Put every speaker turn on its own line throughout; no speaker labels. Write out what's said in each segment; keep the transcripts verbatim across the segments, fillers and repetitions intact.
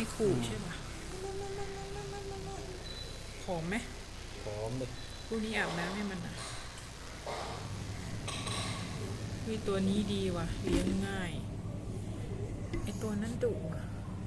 ขู่ใช่ปะผอมไหม
ผอมเลย
พวกนี้อาบน้ำให้มันอ่ะวิตัวนี้ดีว่ะเลี้ยงง่ายไอตัวนั้นดุอ่ะ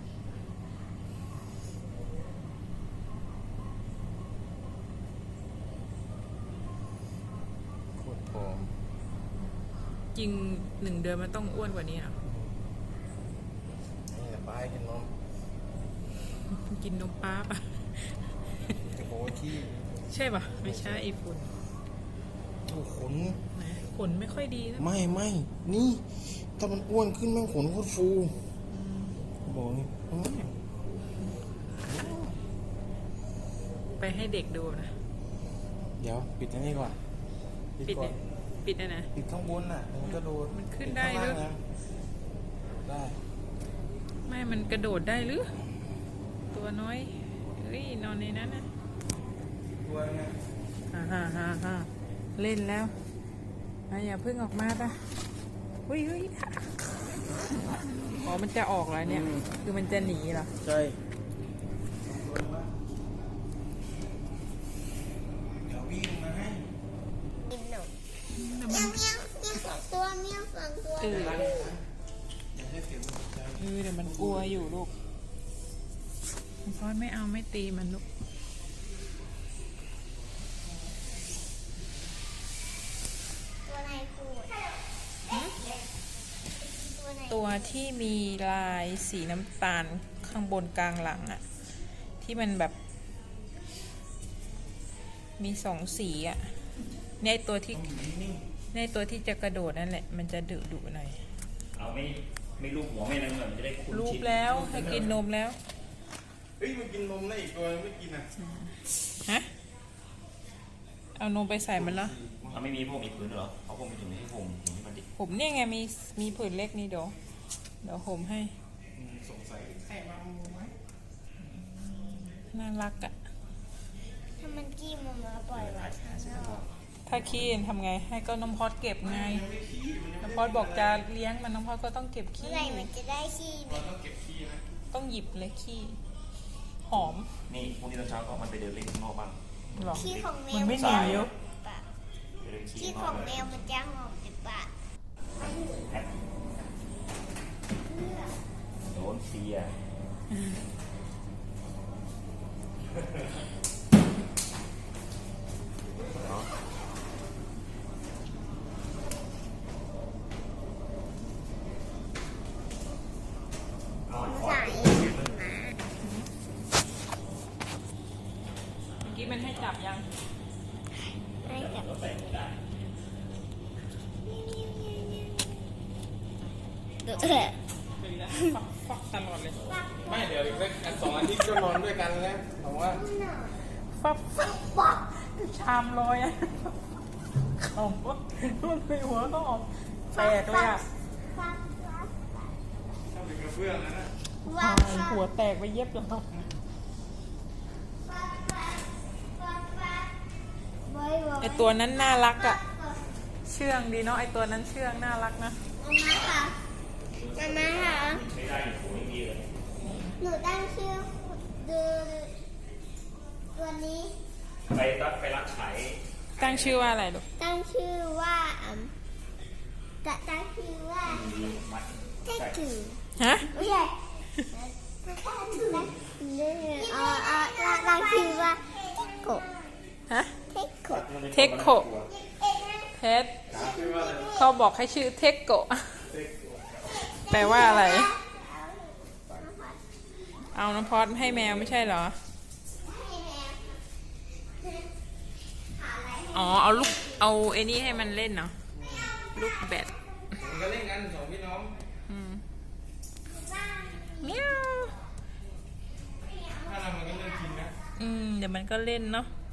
โคตรผอม
จริงหนึ่งเดือนมันต้องอ้วนกว่านี้อ่ะ
นี่แหละป้ายกินนม
กินนมป้าปะ
จะโบที่
ใช่ปะไม่ใช่ไอฝุ่น
ถูกขน
นะขนไม่ค่อยดีนะ
ไม่ไม่นี่ถ้ามันอ้วนขึ้นแม่งขนโคตรฟูบอกนี่
ไปให้เด็กดูนะ
เดี๋ยวปิดอันนี้ก่อน
ปิดเนี่ยปิดนะนะ
ปิดข้างบนน่ะมันกระโดด
มันขึ้นได้หรือ
ได้
ไม่มันกระโดดได้หรือตัวน้อยเฮ้ยนอนในนั้นนะ
ตัวไง
ฮ่าฮ่าฮ่าฮ่าเล่นแล้วอย่าเพิ่งออกมาปะเฮ้ยเฮ้ยอ๋อมันจะออกแล้วเนี่ยคือมันจะหนีเหรอ
ใช่เดี๋ยววิ่งมาให้
เมียวเมียวเมียวสองตัวเมียวสองตัว
เออเออเดี๋ยวมันกลัวอยู่ลูกพ่อไม่เอาไม่ตีมันลูกตัวที่มีลายสีน้ำตาลข้างบนกลางหลังอะที่มันแบบมีสองสีอะในตัวที่ในตัวที่จะกระโดดนั่นแหละมันจะดุดุหน่อย
เอาไม่ไม่ลูบหัวไม่อะไรเหมือนจะได้คุ้นชิน
ลูบแล้วให้กินนมแล้ว
เฮ้ยมันกินนมได้อีกตัวไม่กินอ่ะ
ฮะเอานมไปใส่มันแล้ว
เอาไม่มีพวกมีผืนเหรอเอาพวกมีถุงให้ผมถุงให้มันดิ
ผมเนี่ยไงมีมีผืนเล็กนี่เดี๋ยวเดี๋ยวผมให้
สงสัยใส่มามูไหม
น่ารักอะ
ถ้ามันกี้มันมาปล่อยไว้ข้างนอก
ถ้าขี้ทำไงให้ก็น้องพอดเก็บไงน้องพอดบอกจะเลี้ยงมันน้องพอดก็ต้องเก็บขี้
เมื่อไหร่มันจะได้ขี้
ต้องเก็บขี้นะ
ต้องหยิบเลยขี้หอม
นี่พรุ่งนี้ตอนเช้าก็มันไปเดินเล่นข้างนอกบ้าง
ขี้ของแมว
มันไม่หนีอยู่
ขี้ของแมวมันจะหอมในปาก
โดนเสีย
เมื่อกี้มันให้จับยัง
ให้จับเออ
ฟักฟักตลอดเลย
ไม่เดี๋ยวอีกสักสองอาทิตย์ก็นอนด้วยกันแล้วผมว่า
ฟักฟักฟักชามลอยอ่ะเขาว่ามันไปหัวก็ออกแตกเลยอ่ะ
ชอบเป็นกระเบื้องนะนะ
หัวแตกไปเย็บแล้วไอตัวนั้นน่ารักอ่ะเชื่องดีเนาะไอตัวนั้นเชื่องน่ารักนะ
มาค่ะมาค่ะหนูตั้งชื่อดูตัวนี้
ไปรักไปรักไข่
ตั้งชื่อว่าอะไรลูก
ตั้งชื่อว่าอืมจะตั้งชื่อว่าเทคู
ฮะ
ไม่ใช่เออเออตั้งชื่อว่าเทโก
ฮะ
เทโก
เทโกเพชรเขาบอกให้ชื่อเทโกแปลว่าอะไรเอาน้ำพอดให้แมวไม่ใช่เหรออ๋อเอาลูกเอาไอ้นี่ให้มันเล่นเนาะลูกแบด
ก็เล่นกันสองพี่น้อง
อืมเมียว
ถ้าเรามันก็เล่นกินนะ
อืมเดี๋ยวมันก็เล่นเนาะ